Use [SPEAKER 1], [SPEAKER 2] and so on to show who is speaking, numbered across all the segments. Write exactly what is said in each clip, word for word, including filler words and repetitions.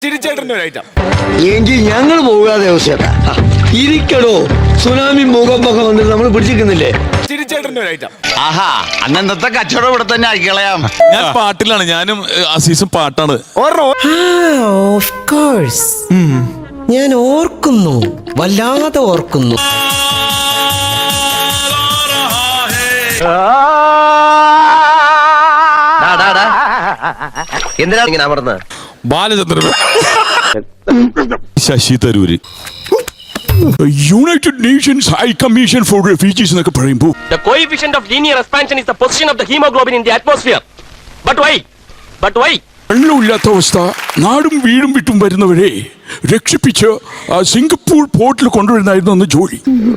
[SPEAKER 1] തിരിച്ചേട്ടൻ്റെ ഒരു ഐറ്റം
[SPEAKER 2] എങ്കിൽ ഞങ്ങൾ പോകാതെ അവസ്ഥ ഇരിക്കടോ. സുനാമി ഭൂകമ്പൊക്കെ വന്നിട്ട് നമ്മൾ പിടിച്ചിരിക്കുന്നില്ലേ?
[SPEAKER 1] തിരിച്ചേട്ടൻ്റെ ഒരു ഐറ്റം.
[SPEAKER 3] ആഹാ അന്നത്തെ കച്ചവടം ഇവിടെ തന്നെ ആയിക്കളയാം.
[SPEAKER 4] ഞാൻ പാട്ടിലാണ്, ഞാനും അസീസും പാട്ടാണ്.
[SPEAKER 5] ഓഫ് കോഴ്സ് ഞാൻ ഓർക്കുന്നു, വല്ലാതെ ഓർക്കുന്നു.
[SPEAKER 2] എന്തിനാ ഇങ്ങനെ അമർന്ന്?
[SPEAKER 4] Balachandran, Shashi Tharoor, United Nations High Commission for Refugees എന്നൊക്കെ പറയുമ്പോൾ
[SPEAKER 6] The coefficient of linear expansion is the position of the hemoglobin in the atmosphere. But why? But why?
[SPEAKER 4] വെള്ളമില്ലാത്ത അവസ്ഥ, നാടും വീടും വിട്ടും വരുന്നവരെ രക്ഷിപ്പിച്ച് ആ സിംഗപ്പൂർ പോർട്ടിൽ കൊണ്ടുവരുന്നായിരുന്നു അന്ന് ജോലി.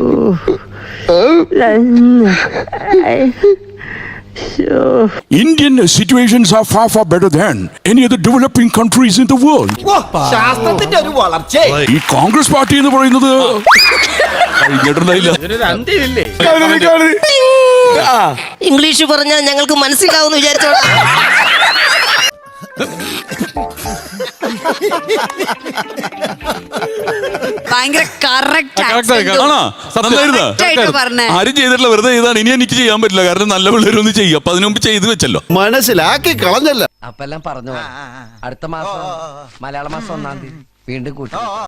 [SPEAKER 4] Indian situations are far far better than any other developing countries in the world.
[SPEAKER 2] ശാസ്ത്രത്തിന്റെ ഒരു വളർച്ച.
[SPEAKER 4] ഈ കോൺഗ്രസ് പാർട്ടി എന്ന് പറയുന്നത്
[SPEAKER 5] ഇംഗ്ലീഷ് പറഞ്ഞാൽ ഞങ്ങൾക്ക് മനസ്സിലാവുമെന്ന് വിചാരിച്ചോളാം.
[SPEAKER 7] ഭയങ്കര കറക്റ്റ്
[SPEAKER 4] ആരും ചെയ്തിട്ടില്ല, വെറുതെ ചെയ്താണ്. ഇനി എനിക്ക് ചെയ്യാൻ പറ്റില്ല, കാരണം നല്ല പിള്ളേരൊന്നും ചെയ്യും. അപ്പൊ അതിനു മുമ്പ് ചെയ്ത് വെച്ചല്ലോ.
[SPEAKER 2] മനസ്സിലാക്കി കളഞ്ഞല്ല.
[SPEAKER 8] അപ്പെല്ലാം പറഞ്ഞു. അടുത്ത മാസം മലയാള മാസം ഒന്നാം തീയതി വീണ്ടും കൂട്ടി.